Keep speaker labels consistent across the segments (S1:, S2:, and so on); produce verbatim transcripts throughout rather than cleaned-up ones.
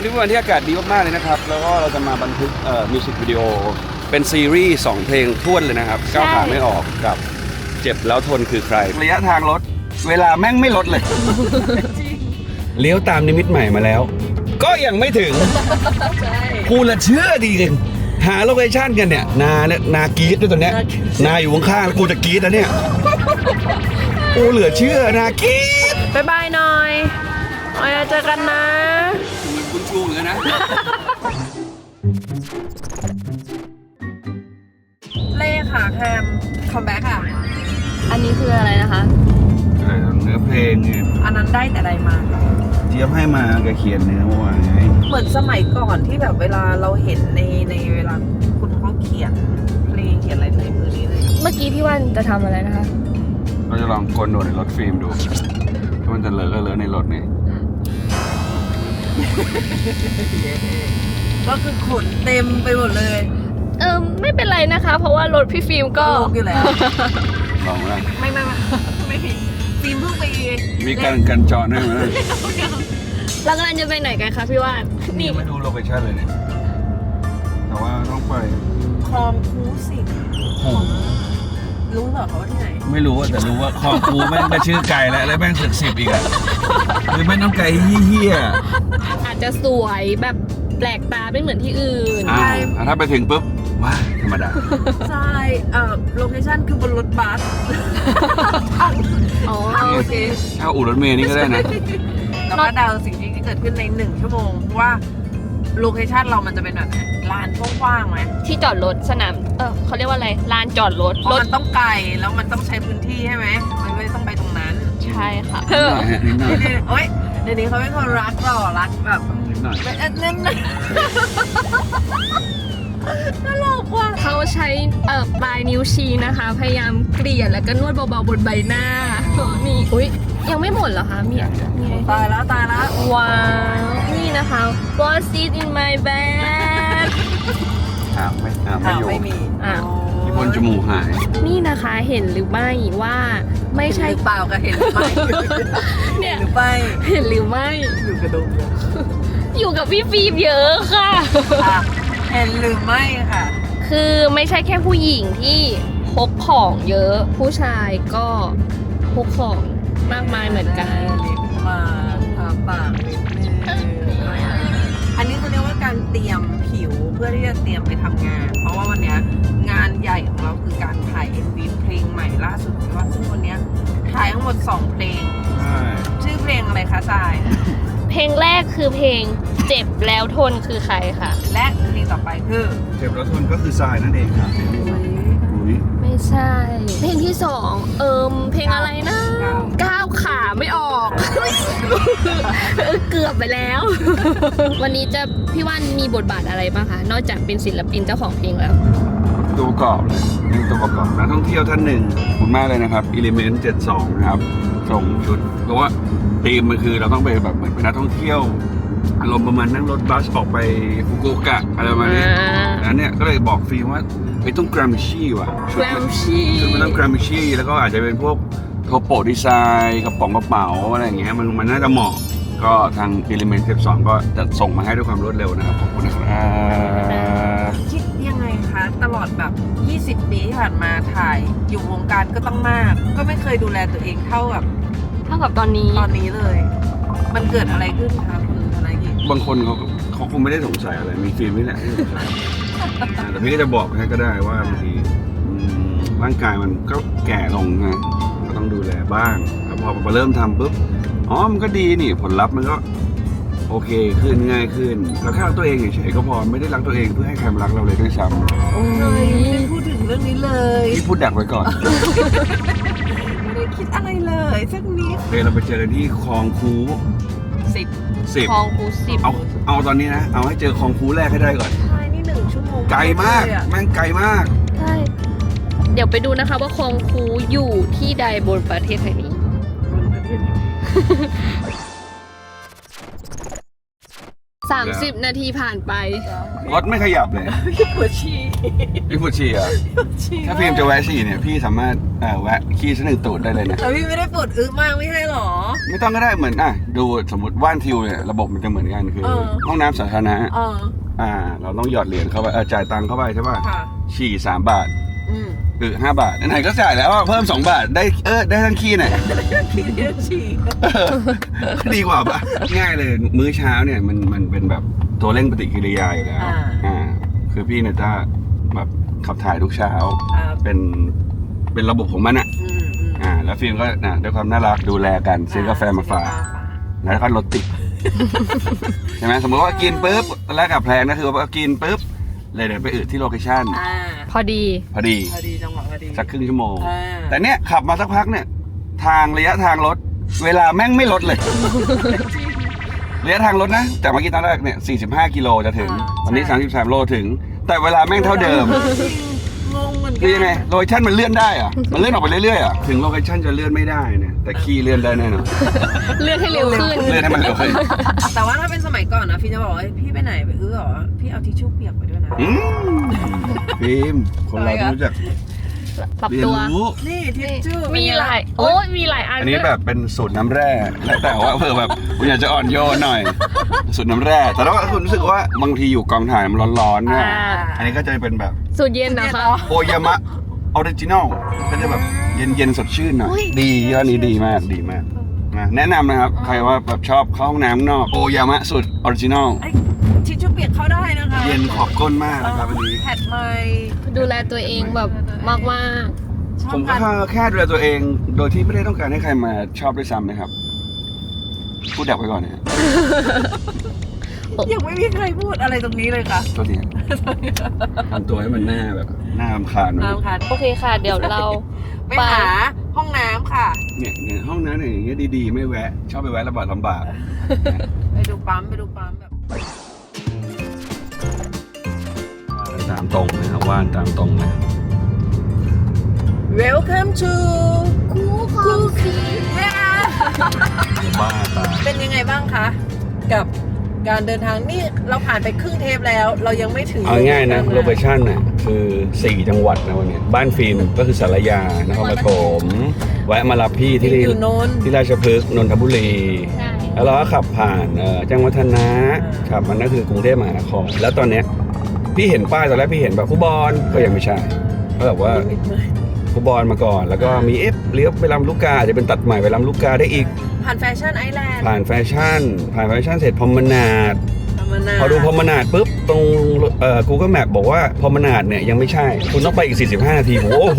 S1: นี้เป็นวันที่อากาศดีมากๆเลยนะครับแล้วก็เราจะมาบันทึกเอ่อมิวสิกวิดีโอเป็นซีรีส์สองเพลงท้วนเลยนะครับก้าวขาไม่ออกกับเจ็บแล้วทนคือใครระยะทางรถเวลาแม่งไม่ลดเลยเลี้ยวตามนิมิตใหม่มาแล้วก็ยังไม่ถึงกูละเชื่อดีกันหาโลเคชั่นกันเนี่ยนาเนี่ยนากรีดด้วยตัวเนี้ยนาอยู่ข้างๆกูจะกรีดแล้วเนี่ยกูเหลือเชื่อนากรีด
S2: บายบายหน่อยไว้เจอกันนะ
S1: คุณชูเหมือนกันนะ
S2: เล่ค่ะแคมคัมแบ็กค่ะอันนี้คืออะไรนะคะ
S1: เนื้อเพลงไง
S2: อันนั้นได้แต่ใดมา
S1: เจี๊ยบให้มาแกเขียนเนื้อว่าไง
S2: เหมือนสมัยก่อนที่แบบเวลาเราเห็นในในเวลาคุณเขาเขียนเพลงเขียนอะไรในมือนี้เลยเมื่อกี้พี่วันจะทำอะไรนะคะ
S1: เราจะลองกดโดดในรถฟิล์มดูถ้ามันจะเลอะก็เลอะในรถนี่
S2: ก็คือขนเต็มไปหมดเลย
S3: เออไม่เป็นไรนะคะเพราะว่ารถพี่ฟิล์มก็
S2: ลงอยู่แล้ว
S1: ลองแล้ว
S2: ไม่ไม่ไม่ไม่ผิดฟิล์มเพิ่งไป
S1: มีการกันจอดด้วยไหม
S3: เรากำลังจะไปไหนกันคะพี่ว่าน
S1: นี่ไม่ดูโลเคชั่นเลยเนี่ยแต่ว่าต้องไป
S2: คลองคูสิบรู้เหรอเขาว่าที่ไหน
S1: ไม่รู้แต่รู้ว่าคลองคูแม่งก็ชื่อไก่แล้วแล้วแม่งสึกสิบอีกอ่ะหรือแม่งน้ำไก่เฮี้ย
S3: อาจจะสวยแบบแปลกตาไม่เหมือนที่อื่น
S1: ใช่ถ้าไปถึงปุ๊บว้าธรรมดา
S2: ใช่เอ่อโลเคชั่นคือบนรถบัส
S3: อ๋อ
S2: โอเค
S1: เอาอู่รถเมล์นี่ก็ได้นะ
S2: เราก็เดาสิ่งที่เกิดขึ้นในหนึ่งชั่วโมงว่าโลเคชั่นเรามันจะเป็นแบบลานกว้างๆไหม
S3: ที่จอดรถสนามเออเขาเรียกว่าอะไรลานจอดรถ
S2: รถมันต้องไกลแล้วมันต้องใช้พื้นที่ใช่ไหมมันไม่ต้องไปตรงนั้น
S3: ใช่ค่ะ
S2: เฮ้ยเดี๋ยวนี้เขาเป็นคนรักหล่อรักแบบเป็นเน้นตลกว่ะ
S3: เขาใช้เอ่อปลายนิ้วชี้นะคะพยายามเกลี่ยแล้วก็นวดเบาๆบนใบหน้ามีอุ้ยยังไม่หมดเหรอคะมี
S2: ตายแล้วตายแล้ว
S3: ว้าวนี่นะคะ What's it in my bag
S1: หาไม่หาไม่อยู่
S2: ไม่มี
S3: อ่ะ
S1: ที่บนจมูกหาย
S3: นี่นะคะเห็นหรือไม่ว่าไม่ใช่
S2: เปล่าก็เห็นหรือไม่เนี่ยหรือไม่
S3: เห็นหรือไม่
S2: อยู่กระดูก
S3: อยู่กับพี่ฟิล์มเยอะค่ะ
S2: เห็นหรือไม่ค่ะ
S3: คือไม่ใช่แค่ผู้หญิงที่พกของเยอะผู้ชายก็พกของมากมายเหมือนกัน
S2: ลิปมาทาปากนิดนึงอันนี้เขาเรียกว่าการเตรียมผิวเพื่อที่จะเตรียมไปทำงานเพราะว่าวันนี้งานใหญ่ของเราคือการถ่าย เอ็ม วี เพลงใหม่ล่าสุดของเราซึ่งวันนี้ถ่ายทั้งหมดสองเพลงชื่อเพลงอะไรคะทราย
S3: เพลงแรกคือเพลงเจ็บแล้วทนคือใครค่ะ
S2: และเพลงต่อไปคือ
S1: เจ็บแล้วทนก็คือทรายนั่นเองครับ
S3: ไม่ใช่เพลงที่สองเอิมเพลงอะไรนะก้าวขาไม่ออกเกือบไปแล้ววันนี้จะพี่ว่านมีบทบาทอะไรบ้างคะนอกจากเป็นศิลปินเจ้าของเพลงแล้ว
S1: ตัวประกอบเลยเป็นตัวประกอบนักท่องเที่ยวท่านหนึ่งขอบคุณมากเลยนะครับ Element เจ็ดสิบสองนะครับส่งชุดเพราะว่าธีมมันคือเราต้องไปแบบเหมือนเป็นนักท่องเที่ยวอารมณ์ประมาณนั่งรถบัสออกไปฟุกุโอกะอะไรประมาณนี้นั้นเนี่ยก็เลยบอกฟิล์มว่าไอ้ต้องกรามิชี่ว่ะ
S3: กรามิชี่
S1: ชุดมันต้องกรามิชี่แล้วก็อาจจะเป็นพวกโทโปดีไซน์กระป๋องกระเป๋าอะไรอย่างเงี้ยมันมันน่าจะเหมาะก็ทาง Element สิบสองก็จะส่งมาให้ด้วยความรวดเร็วนะครับขอบคุณนะครับ
S2: คิดยังไงคะตลอดแบบยี่สิบปีที่ผ่านมาถ่ายอยู่วงการก็ต้องมากก็ไม่เคยดูแลตัวเองเท่ากับ
S3: เท่ากับตอนนี้
S2: ตอนนี้เลยมันเกิดอะไรขึ้นคะคุณธนกิจ
S1: บางคนเขาเขาคงไม่ได้สงสัยอะไรมีฟิล์มนี่แหละที่สงสัยแต่พี่ก็จะบอกให้ก็ได้ว่าบางทีร่างกายมันก็แก่ลงไงก็ต้องดูแลบ้างแล้วพอพอเริ่มทำปุ๊บอ๋อมันก็ดีนี่ผลลัพธ์มันก็โอเคขึ้นง่ายขึ้นเราแค่รักตัวเองเฉยๆก็พอไม่ได้รักตัวเองเพื่อให้ใครมารักเราเลยด้วยซ้
S2: ำโอ้ยไม่พูดถึงเรื่องนี้เลย
S1: พี่พูดดักไว้ก่อน
S2: ไม่ได้คิดอะไรเลยสักนิด
S1: โอเคเราไปเจอกันที่คลองคู
S2: สิบ
S1: สิบ
S3: คลองคูสิบ
S1: เอาเอาตอนนี้นะเอาให้เจอคลองคูแรกให้ได้ก่อน
S2: ใช่นี่หนึ่งชั่วโมง
S1: ไกลมากแม่งไกลมาก
S3: ใช่เดี๋ยวไปดูนะคะว่าคลองคูอยู่ที่ใดบนประเทศไทยนี้สามสิบนาทีผ่านไป
S1: รถไม่ขยับเลย
S2: พี่ปวดฉี่
S1: พี่พูดฉี่อ่ะ
S2: ฉี่
S1: ถ้าพิมจะแวะฉี่เนี่ยพี่สามารถเอ่อแวะขี้สักหนึ่งตูดได้เลยนะ
S2: แต่พี่ไม่ได้ปวดอึมากไม่ใช่หรอ
S1: ไม่ต้องก็ได้เหมือนอ่ะดูสมมติว่านทิวเนี่ยระบบมันจะเหมือนกันคือ
S2: เออ
S1: ห้องน้ำสาธารณะ
S2: เออ
S1: อ่า เราต้องหยอดเหรียญเข้าไปเออจ่ายตังค์เข้าไปใช่ป่ะ
S2: ค่ะ
S1: ฉี่สามบาท
S2: อืม
S1: อือห้าบาทไหนๆก็จ่ายแล้วอ่ะเพิ่มสองบาทได้เออได้ทั้งขี้หน่อย
S2: พี่เรียกฉี่
S1: ดีกว่าปะง่ายเลยมื้อเช้าเนี่ยมันมันเป็นแบบตัวเร่งปฏิกิริยาอยู่แล้ว
S2: อ่า
S1: อ่าคือพี่เนี่ยจะแบบขับถ่ายทุกเช้า
S2: ครับ
S1: เป็นเป็นระบบของมันอ่ะ
S2: อืมอืม
S1: อ่าแล้วฟิล์มก็นะด้วยความน่ารักดูแลกันซื้อกาแฟมาฝากแล้วก็รถติด ใช่ไหมสมมติว่ากินปุ๊บตอนแรกกับแพลนก็คือว่ากินปุ๊บเลยเดินไปอึที่โลเคชั่น
S2: อ่า
S3: พอดี
S1: พอดี
S2: พอดีจังหวะพอดี
S1: สักครึ่งชั่วโมง
S2: อ่า
S1: แต่เนี้ยขับมาสักพักเนี่ยทางระยะทางรถเวลาแม่งไม่ลดเลย ระยะทางรถนะจากเมื่อกี้ตอนแรกเนี่ยสี่สิบห้ากิโลจะถึงตอนนี้สามสิบสามโลถึง แต่เวลาแม่งเท่าเดิม
S2: งงเหมือนกั
S1: คือยังไงโลเคชั่นมันเลื่อนได้เหรอะมันเลื่อนออกไปเรื่อยๆอะถึงโลเคชั่นจะเลื่อนไม่ได้เนี่ยแต่ขี้เลื่อนได้แน่นอน
S3: เลื่อนให้เร็วขึ้น
S1: เลื่อนให้มันเร็วขึ้น
S2: แต่ว่าถ้าเป็นสมัยก่อนนะพี่จะบอกว่าเฮ้ยพี่ไปไหนไปอื้อเหรอพี่เอาทิชชู่เปียกไปด้วยนะ
S1: อืมฟิล์มคนเราต้องรู้จัก
S3: ปรับ
S1: เรียน
S3: ตัว
S1: รู้
S2: นี่ทิชชู่
S3: มีหลาย โอ้ยมีหลายอัน
S1: อันนี้
S3: ด้วย
S1: แบบเป็นสูตรน้ำแร่แล้วแต่ว่าเผื่อแบบคุณอยากจะอ่อนโยนหน่อย สูตรน้ำแร่แต่ถ้าว่าคุณรู้สึกว่าบางทีอยู่กองถ่ายมันร้อนๆเนี่ย
S3: อ่า
S1: อันนี้ก็จะเป็นแบบ
S3: สูตรเย็นนะคะ
S1: โอยามะออริจินอลก็จะแบบเย็นๆสดชื่นหน่อย
S3: อุ๊ย
S1: ดียอดนี้ดีมากดีมากนะแนะนำนะครับ ใครว่าแบบชอบเข้าห้องน้ำข้างนอกโอยามะสูตรออริจินอล
S2: ไอ้ทิชชู่เปียกเข้าได้นะคะ
S1: เย็นขอบก้นมากนะครับอันนี้
S2: แพดไม
S3: ดูแลตัวเองแบบมากมาก
S2: ชอบ
S1: ผมก็
S2: การ
S1: แค่ดูแลตัวเองโดยที่ไม่ได้ต้องการให้ใครมาชอบด้วยซ้ำนะครับพูดดักไปก่อนนะ
S2: ยังไม่มีใครพูดอะไรตรงนี้เลยค่ะ
S1: ตัวทีทำตัวให้มันหน้าแบบหน้ารำคาญหน่อย
S2: น้ำค่ะ
S3: ๆโอเคค่ะ เดี๋ยวเรา
S2: ไปหาห้องน้ำค่ะ
S1: เนี่ยเนี่ยห้องน้ำเนี่ยอย่างเงี้ยดีๆ ไม่แวะ ชอบไปแวะลำบากลำบาก
S2: ไปดูปั๊มไปดูปั๊มแบบ
S1: ตามตรงนะครับว่านตามตรงนะ
S2: Welcome to
S3: คู่ของสี
S1: บ้าตาย
S2: เป็นยังไงบ้างคะ กับการเดินทางนี่เราผ่านไปครึ่งเทปแล้ว เรายังไม่ถึง
S1: เอาง่ายๆนะโลเคชั่นน่ะคือสี่จังหวัดนะวันเนี้ยบ้านฟิล์มก็คือสารยานครปฐมแวะมารับพี่ที่
S2: อยู่โนน
S1: ที่ราชพฤกษ์นนทบุรี
S3: ใช่
S1: แล้วเราก็ขับผ่านเอ่อแจ้งวัฒนะขับมันก็คือกรุงเทพมหานครแล้วตอนเนี้ยพี่เห็นป้ายตอนแรกพี่เห็นแบบคูบอลก็ยังไม่ใช่ก็แบบว่าคูบอลมาก่อน แล้วก็มีเอฟเลี้ยวไปลำลูกกาอาจจะเป็นตัดใหม่ไปลำลูกกาได้อีก
S2: ผ่านแฟชั่นไอแลนด์
S1: ผ่านแฟชั่น ผ่านแฟชั่นเสร็จพรหมนาด
S2: ธรรมนา
S1: พอดูพรหมนาดปุ๊บตรงเอ่อ Google Map บอกว่าพรหมนาดเนี่ยยังไม่ใช่ คุณต้องไปอีกสี่สิบห้านาทีผมโอ้โห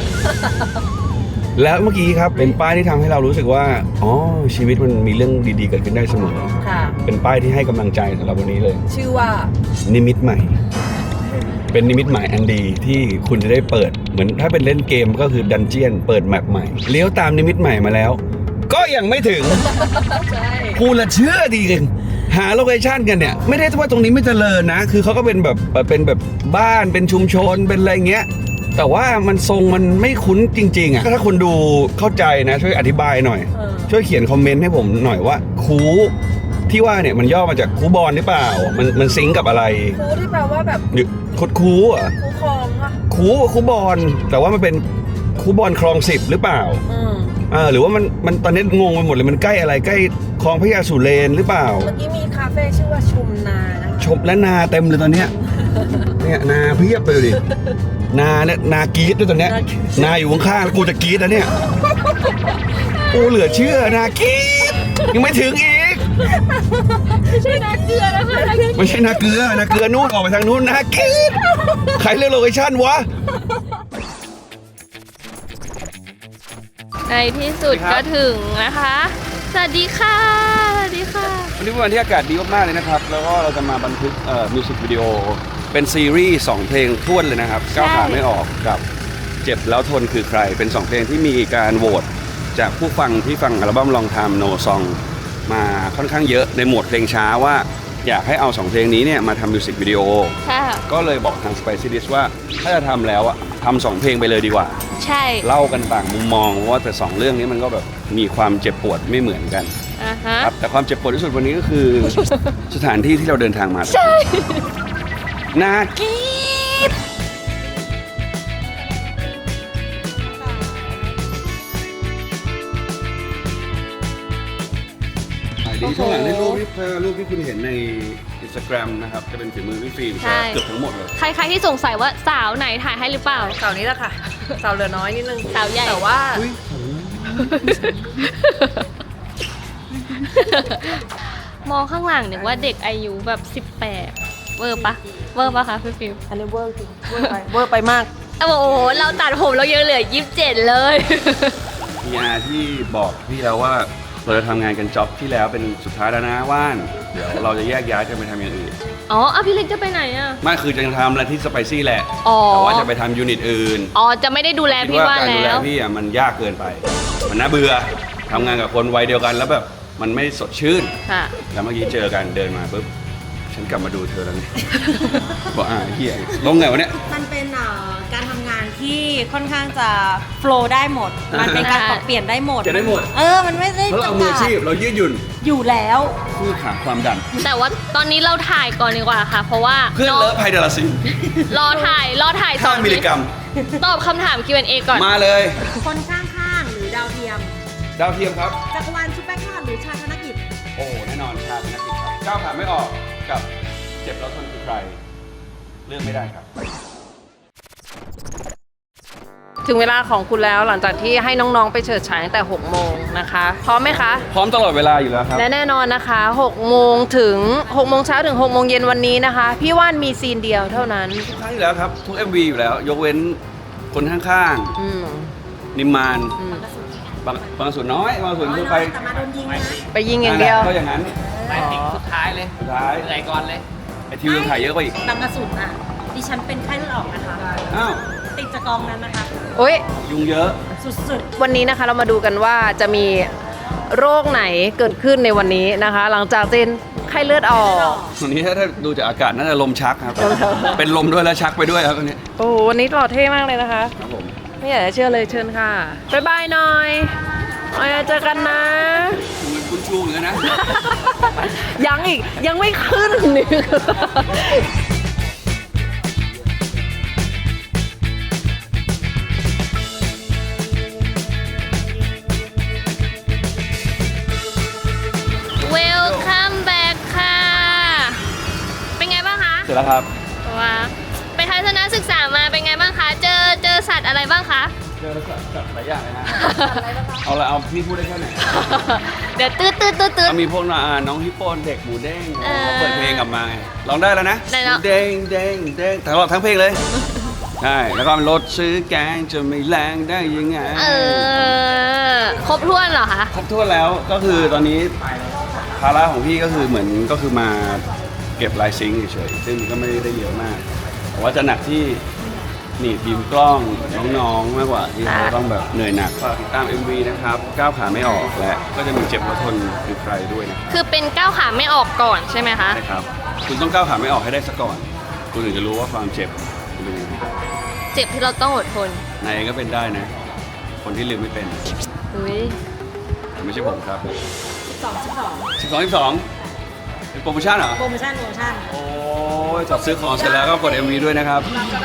S1: แล้วเมื่อกี้ครับเป็นป้ายที่ทำให้เรารู้สึกว่าอ๋อชีวิตมันมีเรื่องดีๆเกิดขึ้นได้เสมอ
S2: ค่ะ
S1: เป็นป้ายที่ให้กำลังใจสำหรับวันนี้เลย
S2: ชื่อว่า
S1: นิมิตใหม่ เป็นนิมิตหมายอันดีที่คุณจะได้เปิดเหมือนถ้าเป็นเล่นเกมก็คือดันเจียนเปิดแมปใหม่เลี้ยวตามนิมิตใหม่มาแล้ว ก็ยังไม่ถึง
S2: ใช่
S1: กูละเชื่อดีกันหาโลเคชั่นกันเนี่ยไม่ได้ว่าตรงนี้ไม่เจริญนะ คือเขาก็เป็นแบบเป็นแบบบ้านเป็นชุมชนเป็นอะไรเงี้ยแต่ว่ามันทรงมันไม่คุ้นจริงๆอ่ะถ้าคนดูเข้าใจนะช่วยอธิบายหน่อย
S2: เออ
S1: ช่วยเขียนคอมเมนต์ให้ผมหน่อยว่าคูที่ว่าเนี่ยมันย่อมาจากคูบอลหรือเปล่ามันมันซิงก์กับอะไร
S2: คูที่แปลว่าแบบ
S1: หรือคุดคูอ่ะ
S2: คูคลองอะ
S1: คูคูบอลแต่ว่ามันเป็นคูบอลคลองสิบหรือเปล่า
S2: อืม
S1: เออหรือว่ามันมันตอนนี้งงไปหมดเลยมันใกล้อะไรใกล้คลองพระยาสุเรนหรือเปล่า
S2: เมื่อกี้มีคาเฟ่ชื่อว่าชุมนานะคะ
S1: ชมและนาเต็มเลยตอนเนี้ยเนี่ยนาเพียบไปเลยดินาเนี่ยนากรีดด้วยตอนเนี้ยนาอยู่ข้างๆแล้วกูจะกรีดนะเนี่ยกูเหลือเชื่อนากรีดยังไม่ถึงอีก
S3: ไม่ใช่นาเกลือนะคะ
S1: ไม่ใช่นาเกลือนาเกลือนู่นออกไปทางนู้นนากรีดใครเลือกโลเคชั่นวะ
S3: ในที่สุดก็ถึงนะคะ สวัสดีค่ะ สวัสดีค่ะ
S1: วันนี้เป็นวันที่อากาศดีมากๆเลยนะครับแล้วก็เราจะมาบันทึกเอ่อมิวสิกวิดีโอเป็นซีรีส์สองเพลงท้วนเลยนะครับก้าวขาไม่ออกกับเจ็บแล้วทนคือใครเป็นสองเพลงที่มีการโหวตจากผู้ฟังที่ฟังอัลบั้มลองทำโนซองมาค่อนข้างเยอะในหมวดเพลงช้าว่าอยากให้เอาสองเพลงนี้เนี่ยมาทำมิวสิกวิดีโอ
S3: ค่ะ
S1: ก็เลยบอกทาง Spicy Dish ว่าถ้าจะทำแล้วอะทำสองเพลงไปเลยดีกว่า
S3: ใช่
S1: เล่ากันต่างมุมมองเพราะว่าแต่สองเรื่องนี้มันก็แบบมีความเจ็บปวดไม่เหมือนกัน
S3: อ่าอ่าฮะ
S1: ครับแต่ความเจ็บปวดที่สุดวันนี้ก็คือ สถานที่ที่เราเดินทางมา
S3: ใช่
S1: น่ากีดดีช่วงหลังในรูปที่รูปที่คุณเห็นใน Instagram นะครับจะเป็นฝีมือพี่ฟิล์ม
S3: ใช่
S1: เกือบทั้งหมดเลย
S3: ใครๆที่สงสัยว่าสาวไหนถ่ายให้หรือเปล่า
S2: เสาร์นี้แหละค่ะเสาร์เหลือน้อยนิดนึง
S3: สาวใหญ่
S2: แต่ว่า
S3: มองข้างหลังนึกว่าเด็กอายุแบบสิบแปดเวอร์ปะเวอร์ปะคะพี่ฟิว
S2: อันนี้เวอร์จริงเวอร์ไปเวอร์ไปมาก
S3: โอ้โหเราตัดผมเรายังเหลือยี่สิบเจ็ดเลย
S1: มีอาที่บอกพี่แล้วว่าเราจะทำงานกันจ็อบที่แล้วเป็นสุดท้ายแล้วนะว่านเดี๋ยวเราจะแยกย้ายกันไปทำอย่างอื่น
S3: อ๋ออ่ะพี่เล็กจะไปไหนอ่ะ
S1: ไม่คือจะทำอะไรที่สไปซี่แหละ
S3: อ๋อ
S1: แต่ว่าจะไปทำยูนิตอื่น
S3: อ๋อจะไม่ได้ดูแล
S1: คิด
S3: พี่
S1: ว่า
S3: ว่าน
S1: การดูแล
S3: แล้ว
S1: พี่อ่ะมันยากเกินไป มันน่าเบื่อทำงานกับคนวัยเดียวกันแล้วแบบมันไม่สดชื่น
S3: ค่ะ
S1: แล้วเมื่อกี้เจอกันเดินมาปุ๊บฉันกลับมาดูเธอแล้วเนี่ยบอกอ่าเฮียลงไงวะเนี่ย
S4: มันเป็นเอ่อการทำงานที่ค่อนข้างจะโฟลว์ได้หมด มันเป็นการปรับเปลี่ยนได้หมด
S1: จะได้หมด
S4: เออ มันไม่ได้
S1: เพราะเราเอา
S4: จำ
S1: มือ
S4: กั
S1: อา
S4: ด
S1: ชีพเรายืดหยุ่น
S4: อยู่แล้ว
S1: คู่ขาความดัน
S3: แต่ว่าตอนนี้เราถ่ายก่อนดีกว่าค่ะ เพราะว่า
S1: เพื่อนเลอะไพเดลาซิน
S3: รอถ่ายรอถ่ายสอง
S1: ห้ามิลลิกรัม
S3: ตอบคำถาม คิว แอนด์ เอ ก่อน
S1: มาเลย
S4: คนข้างๆ หรือดาวเทียม
S1: ดาวเทียมครับ
S4: จักรวาลชุดแป้งทอดหรือชาธนกิจ
S1: โอ้แน่นอนชาตินักกิจครับก้าวขาไม่ออกกับเจ็บแล้วทนคือใคร เลือกไม่ได้ครับ
S2: ถึงเวลาของคุณแล้วหลังจากที่ให้น้องๆไปเฉิดฉายตั้งแต่หกโมงนะคะพร้อมไหมคะ
S1: พร้อมตลอดเวลาอยู่แล้วครับ
S2: และแน่นอนนะคะหกโมงถึงหกโมงเช้าถึงหกโมงเย็นวันนี้นะคะ พี่ว่านมีซีนเดียวเท่านั้น
S1: ทุกครั้งอยู่แล้วครับ ทุก เอ็ม วี อยู่แล้ว ยกเว้นคนข้าง
S2: อืม
S1: ๆ นิมมาน
S2: อืม
S1: บางบางส่วนน้อยบางส่วนคือไป
S4: แต่มาโดนยิงนะ
S2: ไปยิงอย่างเดียว
S1: ก็อย่างนั้น
S5: ไปถึงสุดท้ายเลย
S1: สุดท้าย
S5: เหนื่อยก่อนเลย
S1: ไอทีวีถ่ายเยอะกว่าอีก
S4: บางกระสุนอ่ะ ดิฉันเป็นไข้เลือดออกนะคะ
S1: อ้าว
S4: ติดจากกองนั้นนะคะ
S2: โอ้ย
S1: ยุงเยอะ
S4: สุด
S2: วันนี้นะคะเรามาดูกันว่าจะมีโรคไหนเกิดขึ้นในวันนี้นะคะ หลังจากเจนไข้เลือดออก
S1: วันนี้ถ้าถ้าดูจากอากาศน่าจะลมชักครับ เป็นลมด้วยแล้วชักไปด้วยครับวันนี้
S2: โอ้โหวันนี้หล่อเท่มากเลยนะคะ
S1: ครับผม
S2: ไม่อยากจะเชื่อเลยเชิญค่ะบ๊ายบายหน่อยเอาไว้เจอกันนะ
S1: คุณชูเหมือนกันนะ
S2: ยังอีกยังไม่ขึ้นนี่
S3: เวลคัมแบ็กค่ะ เป็นไงบ้างคะ
S1: เสร็จแล้วครับ
S3: ว้าไปทัศนศึกษามาเป็นไงบ้างคะ เจอเจอสัตว์อะไรบ้างคะ
S1: เจอแล้วสัตว์หลายอย่างเลยนะ เอาละเอาพี่พูดได้แค่ไหน
S3: เดี๋ยวตืดตืดตืดตืด
S1: เอามีพวกน่ะอ่าน้องฮิปโปนเด็กหมูเด้ง
S3: เออ
S1: เขาเปิดเพลงกลับมาไงร้องได้แล้วนะ
S3: ได้แล้ว
S1: หมูเด้งเด้งเด้งตลอดทั้งเพลงเลย ใช่ แล้วก็รถซื้อแกงจะไม่แรงได้ยังไง
S3: เออ ครบถ้วนเหรอคะ
S1: ครบถ้วนแล้วก็คือตอนนี้ภาระของพี่ก็คือเหมือนก็คือมาเก็บลายซิงค์เฉยๆซึ่งก็ไม่ได้เยอะมาก แต่ว่าจะหนักที่หนีบบีมกล้องน้องๆมากกว่าที่เขาต้องแบบเหนื่อยหนักฝากติดตาม เอ็ม วี นะครับก้าวขาไม่ออกและก็จะมีเจ็บแล้วทนคือใครด้วยนะครับ
S3: คือเป็นก้าวขาไม่ออกก่อนใช่ไหมคะ
S1: ใช่ครับ คุณต้องก้าวขาไม่ออกให้ได้ซะก่อน คุณถึงจะรู้ว่าความเจ็บเป็นยังไง
S3: เจ็บที่เราต้องอดทน
S1: นายเองก็เป็นได้นะ คนที่ลืมไม่เป็น
S3: อุ้ย
S1: แต่ไม่ใช่ผมครับ
S4: ๆสองสิบสอง
S1: สิบสอง สิบสองเป็นโปรโมชั่นเหรอ
S4: โปรโมชั่นโปรโมชั่น
S1: โอ้ยจับซื้อของเสร็จแล้วก็กด เอ็ม วี ด้วยนะครับ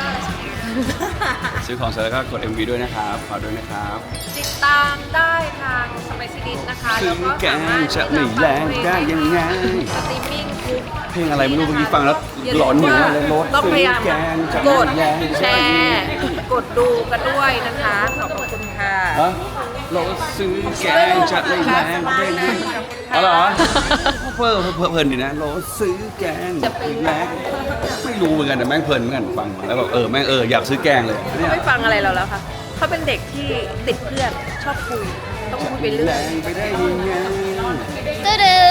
S1: ซื้อของเสร็จแล้วก็กด เอ็ม วี ด้วยนะครับฝากด้วยนะครับ
S2: ติดตามได้ทางสไปซี่ดิสนะคะ
S1: ซื้
S2: แล้
S1: อ
S2: วก็
S1: แก
S2: สาง มารถ
S1: จะไม่แรงได้ยังไง
S2: สตรีมมิ่งทุก
S1: เพลงอะไรไม่รู้เมื่อกี้ฟังแล้วหลอนหัวเลยรถ
S2: ต้องพยายาม
S1: ซื้อแกงจะ
S2: ก
S1: ไม่
S2: ด
S1: แรง
S2: แชร์ กดดูกันด้วยนะคะ ขอบคุณค่ะ
S1: ฮะรถซื้อแกงจะไม่แรงได้ยังไงเอาเหรอเพิ่มเพิ่มเพลินดีนะรถซื้อแกงจะไม่แรงไม่รู้เหมือนกันแต่แม่งเพลินเหมือนกันฟังแล้วแบบเออแม่งเอออยากซื้อแกงเลยเนี่ย
S2: ไม่ฟังอะไรเราแล้วค่ะ เขาเป็นเด็กที่ติดเพื่อน ชอบคุย ต้องคุยไปเรื่
S1: แร
S2: อย
S1: งไปได้ยังไง
S3: ตึ้ดึ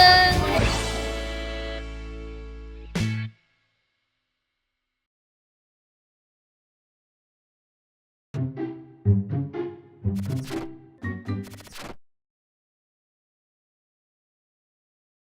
S3: ง